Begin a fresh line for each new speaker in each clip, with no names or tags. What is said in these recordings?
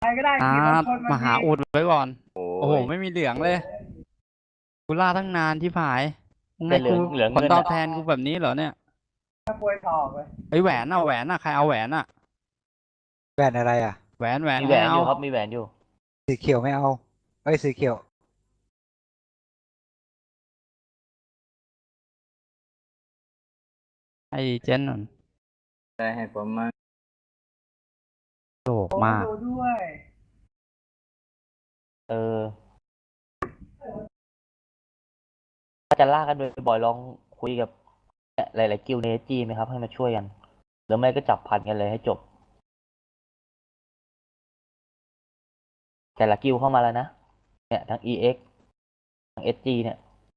ใครก็ได้
อ่า
ขี่รถชนมันที
มาหาอุดไว้ก่อน
โอ้
โอ้โห
ย
ไม่มีเหลืองเลยกูล่าตั้งนานที่ผายยังไงกู
แต่เหลืองเหลือง
ผลตอบ
เงินอ่ะ
แทนกูแบบนี้เหรอเนี่ย
ถ้าป่วยถอกเลย
ไอ้ยแหวนอ่ะแหวนอ่ะใครเอาแหวนอ่ะ
แบรนด์อะไรอ่ะ
แหวน
มีแหว
ใครเอา
นอยู่ครับมีแหวนอยู่
สีเขียวไม่เอาเอ้ยสีเขียว
ไอ้เจนนั่น
ได้ให้ผมมา
โลภ
โอ้
มาก
ดูด้วย
เออถ้าจะล่ากันบ่อยๆลองคุยกับหลายๆกิลด์ในจีไหมครับให้มาช่วยกันหรือไม่ก็จับพันกันเลยให้จบแต่ละกิลด์เข้ามาแล้วนะเนี่ยทั้ง EX ทั้ง SG เนี่ย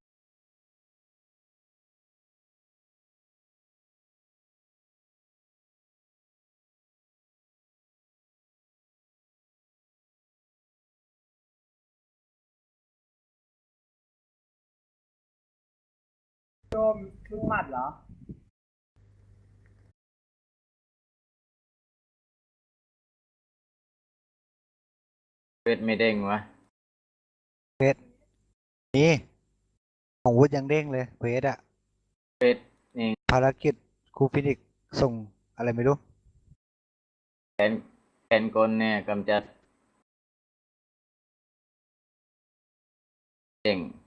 โดมลูกหมัดเหรอ
เวทไม่เด้งวะ
นี่ของวุฒิยังเด้งเลยเควสอะ
เวทเอง
ภารกิจครูฟินิกซ์ส่งอะไรไม่รู้
แทนแทนกลเนี่ยกำจัดเด้ง